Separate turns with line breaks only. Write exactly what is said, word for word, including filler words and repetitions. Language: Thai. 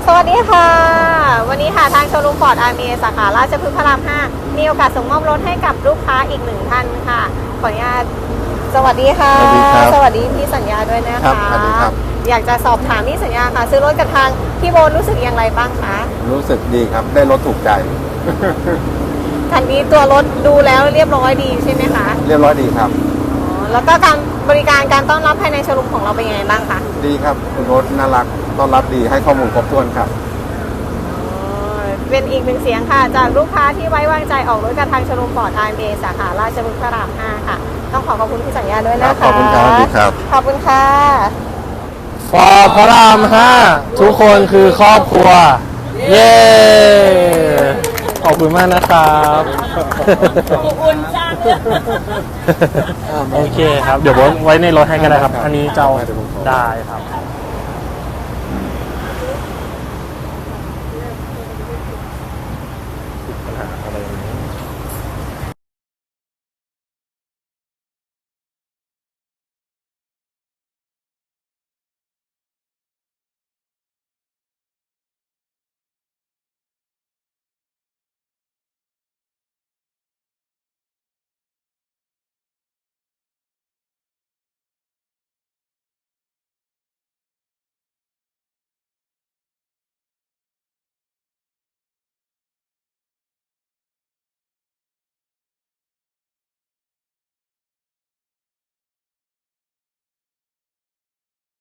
สวัสดีค่ะวันนี้ค่ะทางโชว์รูมฟอร์ดอาร์เมสาขาราชพฤกษ์พระรามห้ามีโอกาสส่งมอบรถให้กับลูกค้าอีกหนึ่งท่านค่ะขออนุญาตสวัสดีค่ะ
สวัสดีครับ
สวัสดีพี่สัญญาด้วยนะคะ
ครับสวัสดีครับ
อยากจะสอบถามพี่สัญญาค่ะ ซื้อรถกับทางพี่โบนรู้สึกอย่างไรบ้างคะ
รู้สึกดีครับได้รถถูกใจ
คันนี้ตัวรถดูแล้วเรียบร้อยดีใช่ไหมคะ
เรียบร้อยดีครับ
อ๋อแล้วก็การบริการการต้อนรับภายในโชว์รูมของเราเป็นยังไงบ้างคะ
ดีครับคุณรถน่ารักต้อนรับดีให้ข้อมูลครบถ้วนครับ
เป็นอีกหนึ่งเสียงค่ะจากลูกค้าที่ไว้วางใจออกรถกับทางโชว์รูมฟอร์ดอาร์เอสาขาราชพฤกษ์พระรามห้าค่ะต้องขอขอบคุณพี่สัญญาด้วยนะคะ
ขอบคุณครับสวัสดีครับ
ขอบคุณค่ะ
ฟอร์พระรามห้าทุกคนคือครอบครัว เย้ขอบคุณมากนะครับโอเคครับ เดี๋ยวไว้ในรถให้ก็ได้ครับ อันนี้จะเอาได้ครับ